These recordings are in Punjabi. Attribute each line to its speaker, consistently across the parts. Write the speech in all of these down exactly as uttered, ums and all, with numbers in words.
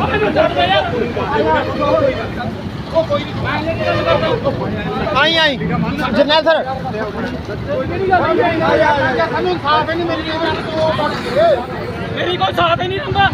Speaker 1: आई आई जरनैल सर
Speaker 2: मेरी कोई साथ ही नहीं दूंगा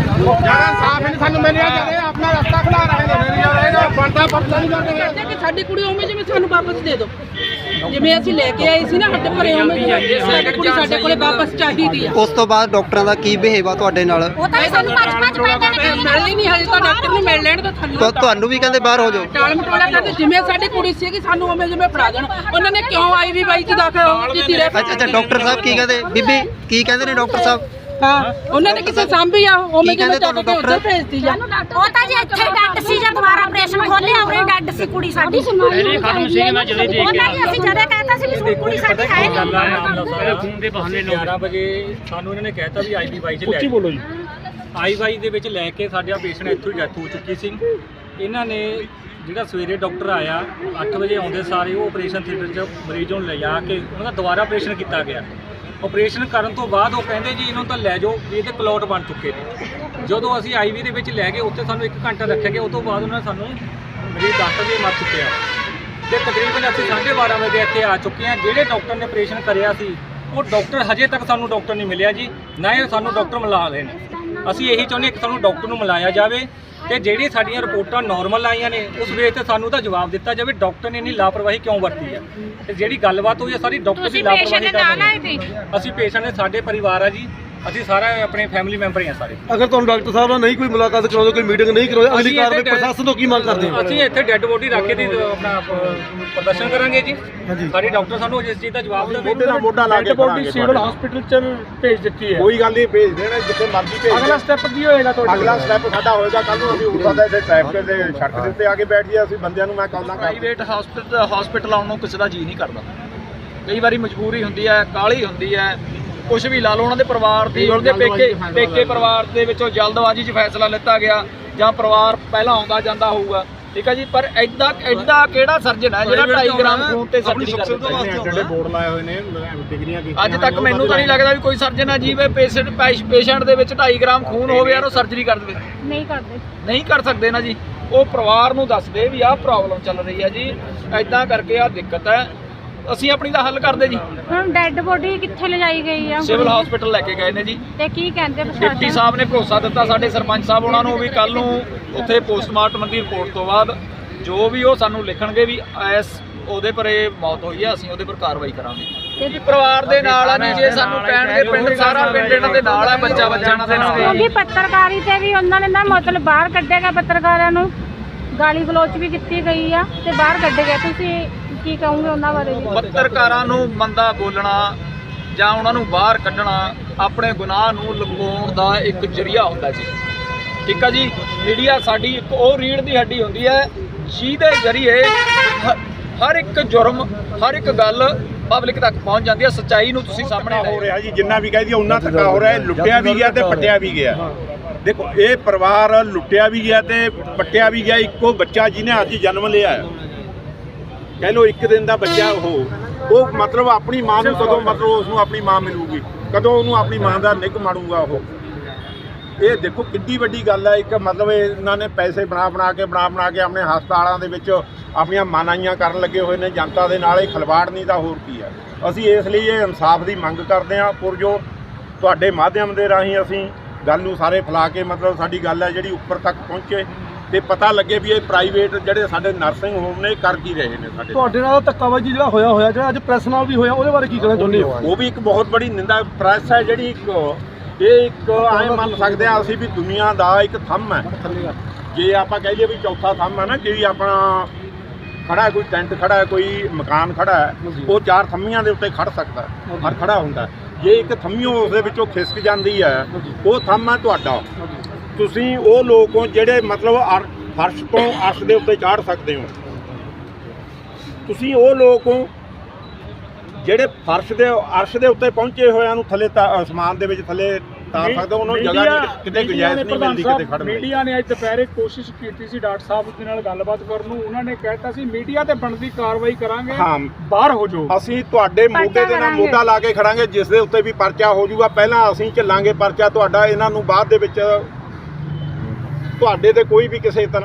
Speaker 1: साफ नहीं सानू मिल रहा अपना रास्ता खुला रहे बनता पता नहीं कर
Speaker 3: कि साडी कुड़ी उਵੇਂ ਜਿਵੇਂ ਸਾਨੂੰ ਵਾਪਸ ਦੇ ਦਿਓ ਜਿਵੇਂ ਅਸੀਂ ਲੈ ਕੇ ਆਏ ਸੀ ਨਾ ਹੱਟ ਭਰੇ ਉਵੇਂ ਸਾਡੀ ਕੁੜੀ ਸਾਡੇ ਕੋਲੇ ਵਾਪਸ ਚਾਹੀਦੀ ਆ।
Speaker 4: ਉਸ ਤੋਂ ਬਾਅਦ ਡਾਕਟਰਾਂ ਦਾ ਕੀ ਬਿਹੇਵ ਆ ਤੁਹਾਡੇ ਨਾਲ?
Speaker 3: ਉਹ ਤਾਂ ਸਾਨੂੰ ਪੰਜ ਪੰਜ ਪੈਂਦੇ ਨੇ ਮਿਲ ਹੀ ਨਹੀਂ ਹਜੇ ਤਾਂ ਡਾਕਟਰ ਨੂੰ ਮਿਲ ਲੈਣ ਤਾਂ
Speaker 4: ਤਾਂ ਤੁਹਾਨੂੰ ਵੀ ਕਹਿੰਦੇ ਬਾਹਰ ਹੋ ਜਾਓ।
Speaker 3: ਟਾਲ ਮਟੋਲਾ ਕਰਦੇ ਜਿਵੇਂ ਸਾਡੀ ਕੁੜੀ ਸੀਗੀ ਸਾਨੂੰ ਉਵੇਂ ਜਿਵੇਂ ਫੜਾ ਦੇਣ। ਉਹਨਾਂ ਨੇ ਕਿਉਂ ਆਈ ਵੀ ਬਾਈ ਚ ਦਾਖਲ ਕੀਤੀ ਰਹੇ।
Speaker 4: ਅੱਛਾ ਅੱਛਾ ਡਾਕਟਰ ਸਾਹਿਬ ਕੀ ਕਹਿੰਦੇ? ਬੀਬੀ ਕੀ ਕਹਿੰਦੇ ਨੇ ਡਾਕਟਰ ਸਾਹਿਬ?
Speaker 3: ਹਾਂ ਉਹਨਾਂ ਨੇ ਕਿਸੇ ਸਾਂਭੀ ਆ ਉਵੇਂ
Speaker 4: ਕਹਿੰਦੇ ਤੁਹਾਨੂੰ ਡਾਕਟਰ
Speaker 3: ਭੇਜਤੀ ਜਾ।
Speaker 5: ਉਹ ਤਾਂ ਜੀ ਇੱਥੇ ਡੱਡ ਸੀ ਜਦ ਦੁਬਾਰਾ ਆਪਰੇਸ਼ਨ ਖੋਲਿਆ ਉਰੇ ਡੱਡ ਸੀ ਕੁੜੀ ਸਾਡੀ।
Speaker 2: ਨਹੀਂ ਖਤਮ ਸੀ ਮੈਂ ਜਦੋਂ ਦੇਖ
Speaker 5: ਉਹਨਾਂ ਨੇ ਅਸੀਂ ਜਦੋਂ ਕਹਿਤਾ ਸੀ ਵੀ ਕੁੜੀ ਸਾਡੀ ਹੈ ਨਹੀਂ।
Speaker 2: ਖੂਨ ਦੇ ਬਹਾਨੇ ਲੋਕ
Speaker 6: ਗਿਆਰਾਂ ਵਜੇ ਸਾਨੂੰ ਇਹਨਾਂ ਨੇ ਕਹਿਤਾ ਵੀ ਆਈਵੀਵਾਈ ਚ ਲੈ ਕੇ ਬੋਲੋ ਜੀ। ਆਈਵੀਵਾਈ ਦੇ ਵਿੱਚ ਲੈ ਕੇ ਸਾਡਾ ਪੇਸ਼ੈਂਟ ਇੱਥੋਂ ਹੀ ਡੈਥ ਹੋ ਚੁੱਕੀ ਸੀ। ਇਹਨਾਂ ਨੇ ਜਿਹੜਾ ਸਵੇਰੇ ਡਾਕਟਰ ਆਇਆ ਅੱਠ ਵਜੇ ਆਉਂਦੇ ਸਾਰੇ ਉਹ ਆਪਰੇਸ਼ਨ ਥੀਏਟਰ 'ਚ ਮਰੀਜ਼ ਨੂੰ ਲਿਜਾ ਕੇ ਉਹਨਾਂ ਦਾ ਦੁਬਾਰਾ ਆਪਰੇਸ਼ਨ ਕੀਤਾ ਗਿਆ। ਆਪਰੇਸ਼ਨ ਕਰਨ ਤੋਂ ਬਾਅਦ ਉਹ ਕਹਿੰਦੇ ਜੀ ਇਹਨੂੰ ਤਾਂ ਲੈ ਜਾਓ ਵੀ ਇਹਦੇ ਕਲੌਟ ਬਣ ਚੁੱਕੇ ਨੇ। ਜਦੋਂ ਅਸੀਂ ਆਈਵੀ ਦੇ ਵਿੱਚ ਲੈ ਗਏ ਉੱਥੇ ਸਾਨੂੰ ਇੱਕ ਘੰਟਾ ਰੱਖਿਆ ਗਿਆ। ਉਸ ਤੋਂ ਬਾਅਦ ਉਹਨਾਂ ਨੇ ਸਾਨੂੰ ਮਰੀਜ਼ ਦੱਸ ਵਜੇ ਮਰ ਚੁੱਕਿਆ ਤੇ ਤਕਰੀਬਨ ਅਸੀਂ ਸਾਢੇ ਬਾਰਾਂ ਵਜੇ ਇੱਥੇ ਆ ਚੁੱਕੇ ਹਾਂ। ਜਿਹੜੇ ਡਾਕਟਰ ਨੇ ਆਪਰੇਸ਼ਨ ਕਰਿਆ ਸੀ ਉਹ ਡਾਕਟਰ ਹਜੇ ਤੱਕ ਸਾਨੂੰ ਡਾਕਟਰ ਨਹੀਂ ਮਿਲਿਆ ਜੀ, ਨਾ ਇਹ ਸਾਨੂੰ ਡਾਕਟਰ ਮਿਲਾ ਰਹੇ ਨੇ। ਅਸੀਂ ਇਹੀ ਚਾਹੁੰਦੇ ਕਿ ਸਾਨੂੰ ਡਾਕਟਰ ਨੂੰ ਮਿਲਾਇਆ ਜਾਵੇ ਤੇ ਜਿਹੜੀ ਸਾਡੀਆਂ ਰਿਪੋਰਟਾਂ ਨਾਰਮਲ ਆਈਆਂ ਨੇ ਉਸ ਵੇਲੇ ਤੇ ਸਾਨੂੰ ਤਾਂ ਜਵਾਬ ਦਿੱਤਾ ਜਾਵੇ ਡਾਕਟਰ ਨੇ ਇੰਨੀ ਲਾਪਰਵਾਹੀ ਕਿਉਂ ਵਰਤੀ ਹੈ ਤੇ ਜਿਹੜੀ ਗੱਲਬਾਤ ਹੋਈ ਹੈ ਸਾਰੀ ਡਾਕਟਰ ਦੀ ਲਾਪਰਵਾਹੀ ਕਾਰਨ। ਅਸੀਂ ਪੇਸ਼ੈਂਟ ਦੇ ਸਾਡੇ ਪਰਿਵਾਰ ਆ ਜੀ, ਅਸੀਂ ਸਾਰਾ ਆਪਣੇ ਫੈਮਿਲੀ ਮੈਂਬਰ ਹੀ ਆ ਸਾਰੇ।
Speaker 1: ਅਗਰ ਤੁਹਾਨੂੰ ਡਾਕਟਰ ਸਾਹਿਬ ਨਾਲ ਨਹੀਂ ਕੋਈ ਮੁਲਾਕਾਤ ਕਰਾਉਂਦੇ ਕੋਈ ਮੀਟਿੰਗ ਨਹੀਂ ਕਰਾਉਂਦੇ ਅਗਲੀ ਕਾਰਵਾਈ ਪ੍ਰਸ਼ਾਸਨ ਤੋਂ ਕੀ ਮੰਗ ਕਰਦੇ ਹੋ?
Speaker 6: ਅਸੀਂ ਇੱਥੇ ਡੈੱਡ ਬੋਡੀ ਰੱਖ ਕੇ ਦੀ ਆਪਣਾ ਪ੍ਰਦਰਸ਼ਨ ਕਰਾਂਗੇ ਜੀ। ਸਾਡੀ ਡਾਕਟਰ ਸਾਨੂੰ ਇਸ ਚੀਜ਼ ਦਾ ਜਵਾਬ ਦੇਵੇ।
Speaker 1: ਮੋਢੇ ਨਾਲ ਮੋਢਾ ਲਾ ਕੇ
Speaker 2: ਬੋਡੀ ਸਿਵਲ ਹਸਪੀਟਲ ਚ ਭੇਜ ਦਿੱਤੀ ਹੈ।
Speaker 1: ਕੋਈ ਗੱਲ ਨਹੀਂ, ਭੇਜ ਦੇਣਾ ਜਿੱਥੇ ਮਰਜ਼ੀ ਭੇਜ।
Speaker 2: ਅਗਲਾ ਸਟੈਪ ਕੀ ਹੋਏਗਾ ਤੁਹਾਡਾ?
Speaker 1: ਅਗਲਾ ਸਟੈਪ ਸਾਡਾ ਹੋਏਗਾ ਕੱਲ ਨੂੰ ਅਸੀਂ ਉੱਪਰ ਦਾ ਇੱਥੇ ਟ੍ਰੈਫਿਕ ਦੇ ਸੜਕ ਦੇ ਉੱਤੇ ਆ ਕੇ ਬੈਠ ਜਾਈਏ। ਅਸੀਂ ਬੰਦਿਆਂ ਨੂੰ ਮੈਂ ਕਾਲਾਂ ਕਰ
Speaker 7: ਪ੍ਰਾਈਵੇਟ ਹਸਪੀਟਲ ਹਸਪੀਟਲ ਆਉਣ ਨੂੰ ਕਿਸੇ ਦਾ ਜੀ ਨਹੀਂ ਕਰਦਾ। ਕਈ ਵਾਰੀ ਮਜਬੂਰੀ ਹੁੰਦੀ ਹੈ, ਕਾਹਲੀ ਹੁੰਦੀ ਹੈ, ਕੁਝ ਵੀ ਲਾ ਲਓ। ਉਹਨਾਂ ਦੇ ਪਰਿਵਾਰ ਦੀ ਉਹਦੇ ਪੇਕੇ ਪੇਕੇ ਪਰਿਵਾਰ ਦੇ ਵਿੱਚੋਂ ਜਲਦਬਾਜ਼ੀ 'ਚ ਫੈਸਲਾ ਲਿੱਤਾ ਗਿਆ ਜਾਂ ਪਰਿਵਾਰ ਪਹਿਲਾਂ ਆਉਂਦਾ ਜਾਂਦਾ ਹੋਊਗਾ, ਠੀਕ ਹੈ ਜੀ। ਪਰ ਐਡਾ ਐਡਾ ਕਿਹੜਾ ਸਰਜਨ ਹੈ ਜਿਹੜਾ ਢਾਈ ਗ੍ਰਾਮ ਖੂਨ ਤੇ ਸਰਜਰੀ ਕਰ ਦਿੰਦਾ?
Speaker 1: ਜਿਹੜੇ ਬੋਰਡ ਲਾਏ ਹੋਏ ਨੇ ਡਿਗਰੀਆਂ ਕੀਤੀਆਂ
Speaker 7: ਅੱਜ ਤੱਕ ਮੈਨੂੰ ਤਾਂ ਨਹੀਂ ਲੱਗਦਾ ਵੀ ਕੋਈ ਸਰਜਨ ਹੈ ਜੀ ਪੇਸ਼ੈਂਟ ਪੇਸ਼ੈਂਟ ਦੇ ਵਿੱਚ ਢਾਈ ਗ੍ਰਾਮ ਖੂਨ ਹੋਵੇ ਯਾਰ ਉਹ ਸਰਜਰੀ ਕਰ ਦੇਵੇ।
Speaker 5: ਨਹੀਂ ਕਰਦੇ
Speaker 7: ਨਹੀਂ ਕਰ ਸਕਦੇ ਨਾ ਜੀ। ਉਹ ਪਰਿਵਾਰ ਨੂੰ ਦੱਸਦੇ ਵੀ ਆਹ ਪ੍ਰੋਬਲਮ ਚੱਲ ਰਹੀ ਹੈ ਜੀ, ਐਦਾਂ ਕਰਕੇ ਆਹ ਦਿੱਕਤ ਹੈ, ਅਸੀਂ ਆਪਣੀ ਦਾ ਹੱਲ ਕਰਦੇ ਜੀ।
Speaker 5: ਹੁਣ ਡੈੱਡ ਬੋਡੀ ਕਿੱਥੇ ਲਿਜਾਈ ਗਈ ਆ?
Speaker 7: ਸਿਵਲ ਹਸਪੀਟਲ ਲੈ ਕੇ ਗਏ ਨੇ ਜੀ।
Speaker 5: ਤੇ ਕੀ ਕਹਿੰਦੇ
Speaker 7: ਡਿਪਟੀ
Speaker 5: ਪ੍ਰਸ਼ਾਸਨ?
Speaker 7: ਸਾਹਿਬ ਨੇ ਭਰੋਸਾ ਦਿੱਤਾ ਸਾਡੇ ਸਰਪੰਚ ਸਾਹਿਬ ਉਹਨਾਂ ਨੂੰ ਵੀ ਕੱਲ ਨੂੰ ਉੱਥੇ ਪੋਸਟਮਾਰਟਮ ਦੀ ਰਿਪੋਰਟ ਤੋਂ ਬਾਅਦ ਜੋ ਵੀ ਉਹ ਸਾਨੂੰ ਲਿਖਣਗੇ ਵੀ ਐਸ ਉਹਦੇ ਪਰ ਇਹ ਮੌਤ ਹੋਈ ਹੈ, ਅਸੀਂ ਉਹਦੇ ਪਰ ਕਾਰਵਾਈ ਕਰਾਂਗੇ। ਤੇ ਪਰਿਵਾਰ ਦੇ ਨਾਲ ਆ ਜੀ, ਜੇ ਸਾਨੂੰ ਕਹਿਣਗੇ ਪਿੰਡ ਸਾਰਾ ਪਿੰਡ ਇਹਨਾਂ ਦੇ ਨਾਲ ਹੈ, ਬੱਚਾ ਬੱਚਾ ਇਹਨਾਂ ਦੇ ਨਾਲ ਹੈ।
Speaker 5: ਕਿਉਂਕਿ ਪੱਤਰਕਾਰੀ ਤੇ ਵੀ ਉਹਨਾਂ ਨੇ ਨਾ ਮਤਲਬ ਬਾਹਰ ਕੱਢਿਆਗਾ, ਪੱਤਰਕਾਰਾਂ ਨੂੰ ਗਾਲੀ ਗਲੋਚ ਵੀ ਕੀਤੀ ਗਈ ਆ ਤੇ ਬਾਹਰ ਕੱਢੇ ਗਏ। ਤੁਸੀਂ ਕੀ ਕਹੋਗੇ ਉਹਨਾਂ ਬਾਰੇ?
Speaker 7: ਪੱਤਰਕਾਰਾਂ ਨੂੰ ਮੰਦਾ ਬੋਲਣਾ ਜਾਂ ਉਹਨਾਂ ਨੂੰ ਬਾਹਰ ਕੱਢਣਾ ਆਪਣੇ ਗੁਨਾਹ ਨੂੰ ਲੁਕਾਉਣ ਦਾ ਇੱਕ ਜ਼ਰੀਆ ਹੁੰਦਾ ਜੀ, ਠੀਕ ਆ ਜੀ। ਮੀਡੀਆ ਸਾਡੀ ਇੱਕ ਉਹ ਰੀੜ੍ਹ ਦੀ ਹੱਡੀ ਹੁੰਦੀ ਹੈ ਜਿਹਦੇ ਜ਼ਰੀਏ ਹਰ ਇੱਕ ਜੁਰਮ ਹਰ ਇੱਕ ਗੱਲ ਪਬਲਿਕ ਤੱਕ ਪਹੁੰਚ ਜਾਂਦੀ ਹੈ। ਸੱਚਾਈ ਨੂੰ ਤੁਸੀਂ ਸਾਹਮਣੇ
Speaker 1: ਹੋ ਰਿਹਾ ਜੀ, ਜਿੰਨਾ ਵੀ ਕਹਿ ਦਈਏ ਉਹਨਾਂ ਧੱਕਾ ਹੋ ਰਿਹਾ। ਲੁੱਟਿਆ ਵੀ ਗਿਆ ਤੇ ਪੱਟਿਆ ਵੀ ਗਿਆ। ਦੇਖੋ ਇਹ ਪਰਿਵਾਰ ਲੁੱਟਿਆ ਵੀ ਗਿਆ ਤੇ ਪੱਟਿਆ ਵੀ ਗਿਆ। ਇੱਕੋ ਬੱਚਾ ਜਿਹਨੇ ਅੱਜ ਜਨਮ ਲਿਆ ਹੈ, ਕਹਿ ਲਓ ਇੱਕ ਦਿਨ ਦਾ ਬੱਚਾ, ਉਹ ਉਹ ਮਤਲਬ ਆਪਣੀ ਮਾਂ ਨੂੰ ਕਦੋਂ ਮਤਲਬ ਉਸ ਨੂੰ ਆਪਣੀ ਮਾਂ ਮਿਲੂਗੀ, ਕਦੋਂ ਉਹਨੂੰ ਆਪਣੀ ਮਾਂ ਦਾ ਨਿੱਘ ਮਾਣੂਗਾ ਉਹ। ਇਹ ਦੇਖੋ ਕਿੰਨੀ ਵੱਡੀ ਗੱਲ ਹੈ। ਇੱਕ ਮਤਲਬ ਇਹਨਾਂ ਨੇ ਪੈਸੇ ਬਣਾ ਬਣਾ ਕੇ ਬਣਾ ਬਣਾ ਕੇ ਆਪਣੇ ਹਸਪਤਾਲਾਂ ਦੇ ਵਿੱਚ ਆਪਣੀਆਂ ਮਾਨਾਈਆਂ ਕਰਨ ਲੱਗੇ ਹੋਏ ਨੇ ਜਨਤਾ ਦੇ ਨਾਲ। ਇਹ ਖਿਲਵਾੜ ਨਹੀਂ ਤਾਂ ਹੋਰ ਕੀ ਹੈ। ਅਸੀਂ ਇਸ ਲਈ ਇਹ ਇਨਸਾਫ ਦੀ ਮੰਗ ਕਰਦੇ ਹਾਂ। ਪੁਰ ਜੋ ਤੁਹਾਡੇ ਮਾਧਿਅਮ ਦੇ ਰਾਹੀਂ ਅਸੀਂ ਗੱਲ ਨੂੰ ਸਾਰੇ ਫੈਲਾ ਕੇ ਮਤਲਬ ਸਾਡੀ ਗੱਲ ਹੈ ਜਿਹੜੀ ਉੱਪਰ ਤੱਕ ਪਹੁੰਚੇ ਤੇ ਪਤਾ ਲੱਗੇ ਵੀ ਇਹ ਪ੍ਰਾਈਵੇਟ ਜਿਹੜੇ ਸਾਡੇ ਨਰਸਿੰਗ ਹੋਮ ਨੇ ਕਰ ਕੀ ਰਹੇ ਨੇ। ਸਾਡੇ
Speaker 8: ਤੁਹਾਡੇ ਨਾਲ ਧੱਕਾਬਾਜੀ ਜਿਹੜਾ ਹੋਇਆ ਹੋਇਆ ਜਿਹੜਾ ਅੱਜ ਪ੍ਰੈਸ ਨਾਲ ਵੀ ਹੋਇਆ ਉਹਦੇ ਬਾਰੇ ਕੀ ਕਹਿਣਾ ਚਾਹੁੰਦੇ ਹੋ?
Speaker 1: ਉਹ ਵੀ ਇੱਕ ਬਹੁਤ ਬੜੀ ਨਿੰਦਾ। ਪ੍ਰੈਸ ਹੈ ਜਿਹੜੀ ਇੱਕ ਇਹ ਇੱਕ ਐਂ ਮੰਨ ਸਕਦੇ ਹਾਂ ਅਸੀਂ ਵੀ ਦੁਨੀਆ ਦਾ ਇੱਕ ਥੰਮ ਹੈ। ਜੇ ਆਪਾਂ ਕਹਿ ਲਈਏ ਵੀ ਚੌਥਾ ਥੰਮ ਹੈ ਨਾ, ਕਿ ਆਪਣਾ ਖੜਾ ਕੋਈ ਟੈਂਟ ਖੜਾ ਹੈ, ਕੋਈ ਮਕਾਨ ਖੜਾ ਹੈ, ਉਹ ਚਾਰ ਥੰਮੀਆਂ ਦੇ ਉੱਤੇ ਖੜ ਸਕਦਾ ਹੈ, ਹਰ ਖੜਾ ਹੁੰਦਾ। ਜੇ ਇੱਕ ਥੰਮੀਓ ਉਸ ਦੇ ਵਿੱਚੋਂ ਖਿਸਕ ਜਾਂਦੀ ਹੈ, ਉਹ ਥੰਮ ਹੈ ਤੁਹਾਡਾ। ਤੁਸੀਂ ਉਹ ਲੋਕ ਹੋ ਜਿਹੜੇ ਮਤਲਬ ਫਰਸ਼ ਤੋਂ ਅਰਸ਼ ਦੇ ਉੱਤੇ ਚਾੜ ਸਕਦੇ ਹੋ। ਤੁਸੀਂ ਉਹ ਲੋਕ ਹੋ ਜਿਹੜੇ ਫਰਸ਼ ਦੇ ਅਰਸ਼ ਦੇ ਉੱਤੇ ਪਹੁੰਚੇ ਹੋਇਆਂ ਨੂੰ ਥੱਲੇ ਅਸਮਾਨ ਦੇ ਵਿੱਚ ਥੱਲੇ ਤਾਰ ਸਕਦੇ ਹੋ। ਉਹਨਾਂ ਨੂੰ ਜਗ੍ਹਾ ਨਹੀਂ, ਕਿਤੇ ਗੁੰਜਾਇਸ਼ ਨਹੀਂ ਮਿਲਦੀ ਕਿਤੇ ਖੜਨ ਦੀ।
Speaker 2: ਮੀਡੀਆ ਨੇ ਅੱਜ ਦੁਪਹਿਰੇ ਕੋਸ਼ਿਸ਼ ਕੀਤੀ ਸੀ ਡਾਕਟਰ ਸਾਹਿਬ ਦੇ ਨਾਲ ਗੱਲਬਾਤ ਕਰਨ ਨੂੰ। ਉਹਨਾਂ ਨੇ ਕਹਿਤਾ ਸੀ ਮੀਡੀਆ ਤੇ ਬਣਦੀ ਕਾਰਵਾਈ ਕਰਾਂਗੇ,
Speaker 1: ਹਾਂ
Speaker 2: ਬਾਹਰ ਹੋ ਜਾਓ।
Speaker 1: ਅਸੀਂ ਤੁਹਾਡੇ ਮੋਢੇ ਦੇ ਨਾਲ ਮੋਢਾ ਲਾ ਕੇ ਖੜਾਂਗੇ, ਜਿਸ ਦੇ ਉੱਤੇ ਵੀ ਪਰਚਾ ਹੋ ਜਾਊਗਾ। ਪਹਿਲਾਂ ਅਸੀਂ ਚੱਲਾਂਗੇ ਪਰਚਾ ਤੁਹਾਡਾ, ਇਹਨਾਂ ਨੂੰ ਬਾਅਦ ਦੇ ਵਿੱਚ ਤੁਹਾਡੇ ਤੇ ਕੋਈ ਵੀ ਕਿਸੇ ਤਰ੍ਹਾਂ